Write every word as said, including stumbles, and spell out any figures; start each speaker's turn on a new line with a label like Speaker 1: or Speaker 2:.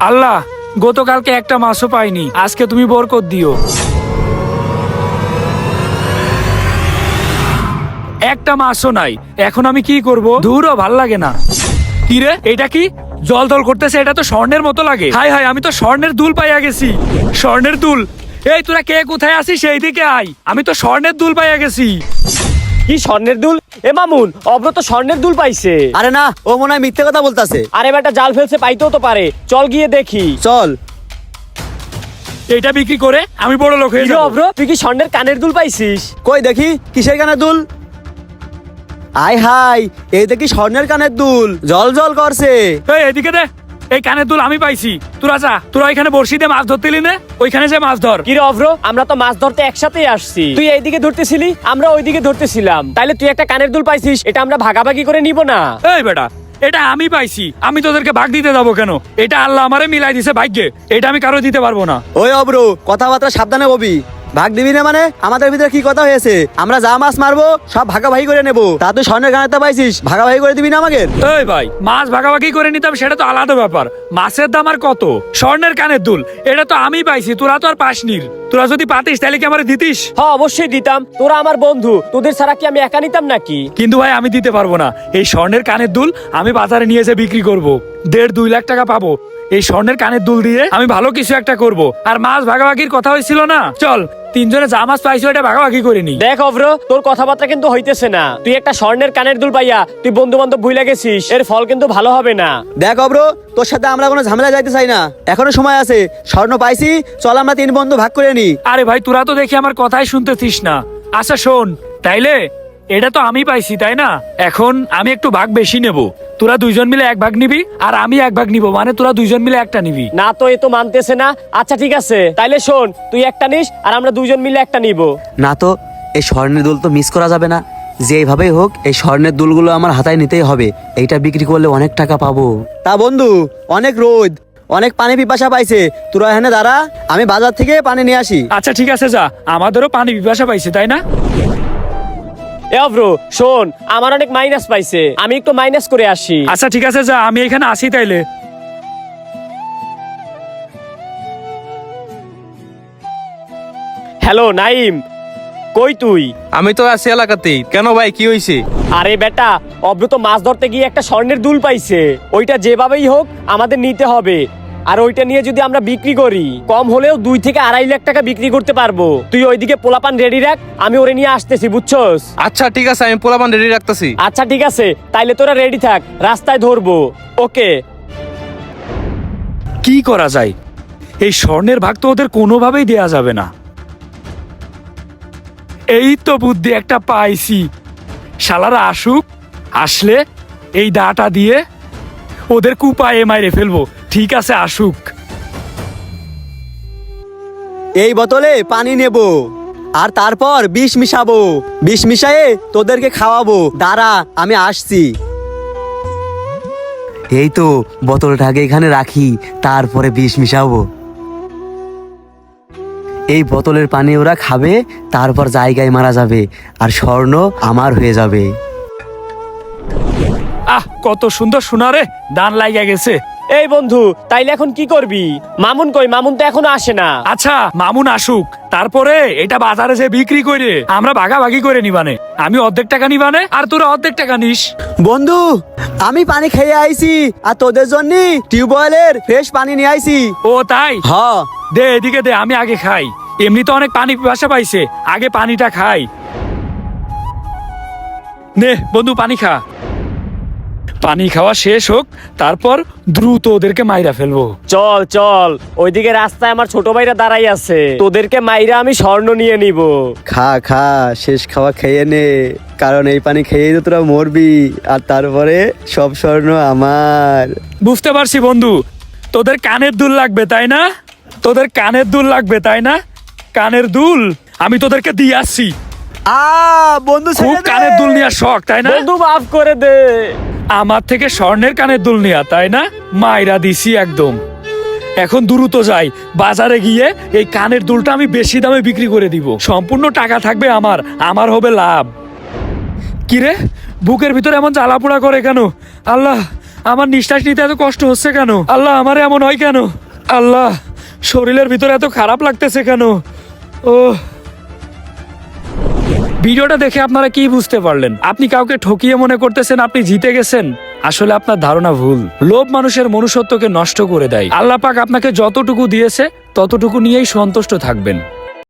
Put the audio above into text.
Speaker 1: আল্লাহ, গতকালকে একটা মাছও পাইনি, আজকে তুমি বরকত দিও। একটা মাছও নাই, এখন আমি কি করব? দূরও ভাল লাগে না। কি রে, এটা কি জল জল করতেছে? এটা তো স্বর্ণের মতো লাগে। হাই হাই, আমি তো স্বর্ণের দুল পাইয়া গেছি। স্বর্ণের দুল? এই তোরা কে কোথায় আছিস? সেই দিকে আয়, আমি তো স্বর্ণের দুল পাইয়া গেছি।
Speaker 2: কি স্বর্ণের দুল? এ মামুন, অব্র তো স্বর্ণের দুল পাইছে।
Speaker 3: আরে না, ও মনে হয় মিথ্যে কথা বলতাছে।
Speaker 2: আরে বেটা, জাল ফেলছে, পাইতেও তো পারে। চল গিয়ে দেখি।
Speaker 3: চল।
Speaker 1: এটা বিক্রি করে আমি বড় লোক হয়ে
Speaker 2: কি রে
Speaker 1: যাবো।
Speaker 2: অব্র, তুই কি স্বর্ণের কানের দুল পাইছিস?
Speaker 3: কই দেখি, কিসের কানের দুল? আয় হাই, এই দেখি স্বর্ণের কানের দুল, জল জল করছে।
Speaker 1: এই এদিকে দে, এই কানের দুল আমি পাইছি। তোরা যা, তোরা এখানে বড়শি দিয়ে মাছ ধরতেলি না, ওইখানে যে মাছ ধর।
Speaker 2: কি রে অব্র, আমরা তো মাছ ধরতে একসাথেই আসছি। তুই এইদিকে ধরতেছিলি, আমরা ওইদিকে ধরতেছিলাম। তাইলে তুই একটা কানের দুল পাইছিস, এটা আমরা ভাগাভাগি করে নিব না?
Speaker 1: এই বেটা, এটা আমি পাইছি, আমি তোদেরকে ভাগ দিতে যাবো কেন? এটা আল্লাহ আমারে মিলাই দিছে ভাগ্যে, এটা আমি কারো দিতে পারবো না।
Speaker 3: ওই অব্র, কথাবার্তা সাবধানে ববি। ভাগ দিবি না মানে? আমাদের ভিতরে কি কথা হয়েছে? আমরা যা মাছ মারবো সব ভাগাভাগি করে নেবো। তা তুই স্বর্ণের কানেরটা পাইছিস, ভাগাভাগি করে দিবি না আমাকে?
Speaker 1: এই ভাই, মাছ ভাগাভাগি করে নিতাম, সেটা তো আলাদা ব্যাপার। মাছের দাম আর কত? স্বর্ণের কানের দুল এটা তো আমি পাইছি, তোরা তো আর পাসনির। তোরা যদি পাতিস তাহলে কি আমারে দিতিস?
Speaker 2: হ্যাঁ অবশ্যই দিতাম, তোরা আমার বন্ধু, তোদের ছাড়া কি আমি একা নিতাম নাকি?
Speaker 1: কিন্তু ভাই আমি দিতে পারবো না। এই স্বর্ণের কানের দুল আমি বাজারে নিয়ে এসে বিক্রি করব, দেড় দুই লাখ টাকা পাবো। এই স্বর্ণের কানের দুল দিয়ে আমি ভালো কিছু একটা করব। আর মাছ ভাগাভাগির কথা হয়েছিল না, চল তিনজনে যা মাছ পাইছো এটা ভাগাভাগি করে নি।
Speaker 2: দেখ অব্র, তোর কথাবার্তা কিন্তু হইতেছে না। তুই একটা স্বর্ণের কানের দুল পাইয়া তুই বন্ধু বান্ধব ভুলে গেছিস, এর ফল কিন্তু ভালো হবে না।
Speaker 3: দেখ অব্র, তোর সাথে আমরা কোনো ঝামেলা যাইতে চাই না, এখনো সময় আছে। স্বর্ণ পাইছি, চল আমরা তিন বন্ধু ভাগ করে নি।
Speaker 1: আরে ভাই, তোরা তো দেখি আমার কথাই শুনতেছিস না। আচ্ছা শোন, তাইলে এটা তো আমি পাইছি তাই না, এখন আমি একটু ভাগ বেশি নেব। তোরা দুইজন মিলে এক ভাগ নিবি আর আমি এক ভাগ নিব, মানে তোরা দুইজন মিলে একটা নিবি।
Speaker 2: না তো, এ তো মানতেছে না। আচ্ছা ঠিক আছে, তাইলে শোন, তুই একটা নিস আর আমরা দুইজন মিলে একটা নিব।
Speaker 3: না তো, এই স্বর্ণের দুল তো মিস করা যাবে না। যেভাবেই হোক এই স্বর্ণের দুলগুলো আমার হাতায় নিতেই হবে। এইটা বিক্রি করলে অনেক টাকা পাবো। তা বন্ধু, অনেক রোদ, অনেক পানি পিপাসা পাইছে, তোরা এখানে দাঁড়া, আমি বাজার থেকে পানি নিয়ে আসি।
Speaker 1: আচ্ছা ঠিক আছে, যা, আমাদেরও পানি পিপাসা পাইছে তাই না।
Speaker 2: এ অব্র শোন, আমার অনেক মাইনাস পাইছে, আমি একটু মাইনাস করে আসি।
Speaker 1: আচ্ছা ঠিক আছে, যা, আমি এখানে আসি তাইলে।
Speaker 2: হ্যালো নাইম, কই তুই?
Speaker 4: আমি তো আছি এলাকাতেই। কেন ভাই, কি হয়েছে?
Speaker 2: আরে বেটা, অব্র তো মাছ ধরতে গিয়ে একটা স্বর্ণের দুল পাইছে। ওইটা যেভাবেই হোক আমাদের নিতে হবে। আর ওইটা নিয়ে যদি আমরা বিক্রি করি, কম হলেও দুই থেকে আড়াই লাখ টাকা বিক্রি করতে পারবো। তুই ওইদিকে পোলাপান রেডি রাখ, আমি ওরে নিয়ে আসতেছি, বুঝছস?
Speaker 4: আচ্ছা ঠিক আছে, আমি পোলাপান রেডি রাখতেছি।
Speaker 2: আচ্ছা ঠিক আছে, তাইলে তোরা রেডি থাক, রাস্তায় ধরবো। ওকে।
Speaker 1: কি করা যায়? এই স্বর্ণের ভাগ তো ওদের কোনোভাবেই দেয়া যাবে না। এই তো বুদ্ধি একটা পাইছি, শালারা আসুক, আসলে এই দাটা দিয়ে ওদের কুপায়ে মাইরে ফেলবো। ঠিক আছে, আসুক।
Speaker 3: এই বোতলে পানি নেব আর তারপর বিষ মিশাবো, বিষ মিশায়ে তোদেরকে খাওয়াবো। দাঁড়া, আমি আসছি। এই তো বোতলটাকে এখানে রাখি, তারপরে বিষ মিশাবো। এই বোতলের পানি ওরা খাবে, তারপর জায়গায় মারা যাবে আর স্বর্ণ আমার হয়ে যাবে।
Speaker 1: আহ, কত সুন্দর শোনা রে, দান লাগিয়া গেছে।
Speaker 2: এই বন্ধু, তাইলে এখন কি করবি? মামুন কই? মামুন তো এখনো আসে না।
Speaker 1: আচ্ছা মামুন আসুক, তারপরে এটা বাজারে যে বিক্রি করে আমরা ভাগাভাগি করে নিবানে। আমি অর্ধেক টাকা নিবানে আর তোরা অর্ধেক টাকা নিস।
Speaker 3: বন্ধু, আমি পানি খেয়ে আইছি আর তোদের জন্য টিউবওয়েলের ফ্রেশ পানি নিয়ে আইছি।
Speaker 1: ও তাই?
Speaker 3: হ,
Speaker 1: দে এদিকে দে, আমি আগে খাই। এমনি তো অনেক পানি পিপাসা পাইছে, আগে পানিটা খাই। নে বন্ধু, পানি খা। পানি খাওয়া শেষ হোক, তারপর দ্রুত ওদেরকে মাইরা ফেলবো।
Speaker 2: চল চল, ওইদিকে রাস্তায় আমার ছোট ভাইরা দাঁড়াই আছে, তোদেরকে মাইরা আমি স্বর্ণ নিয়ে নিব।
Speaker 3: খা খা, শেষ খাওয়া খেয়ে নে, কারণ এই পানি খেয়েই তো তোরা মরবি আর তারপরে সব স্বর্ণ আমার।
Speaker 1: বুঝতে পারছি বন্ধু, তোদের কানের দুল লাগবে তাই না? তোদের কানের দুল লাগবে তাই না? কানের দুল আমি তোদেরকে দিয়ে আসছি।
Speaker 3: আ বন্ধু,
Speaker 1: খুব
Speaker 3: ছেড়ে দে।
Speaker 1: কানের দুল নেওয়ার শখ তাই না?
Speaker 2: বন্ধু মাফ করে দে।
Speaker 1: আমার থেকে স্বর্ণের কানের দুল নেওয়া তাই না? মাইরা দিছি একদম। এখন দ্রুত যাই, বাজারে গিয়ে এই কানের দুলটা আমি বেশি দামে বিক্রি করে দিব। সম্পূর্ণ টাকা থাকবে আমার, আমার হবে লাভ। কিরে, বুকের ভিতরে এমন জ্বালাপোড়া করে কেন? আল্লাহ, আমার নিঃশ্বাস নিতে এত কষ্ট হচ্ছে কেন? আল্লাহ, আমার এমন হয় কেন? আল্লাহ, শরীরের ভিতরে এত খারাপ লাগতেছে কেন? ও, ভিডিওটা দেখে আপনারা কি বুঝতে পারলেন? আপনি কাউকে ঠকিয়ে মনে করতেছেন আপনি জিতে গেছেন। আসলে আপনার ধারণা ভুল। লোভ মানুষের মনুষ্যত্বকে নষ্ট করে দেয়। আল্লাহ পাক আপনাকে যতটুকু দিয়েছে ততটুকু নিয়েই সন্তুষ্ট থাকবেন।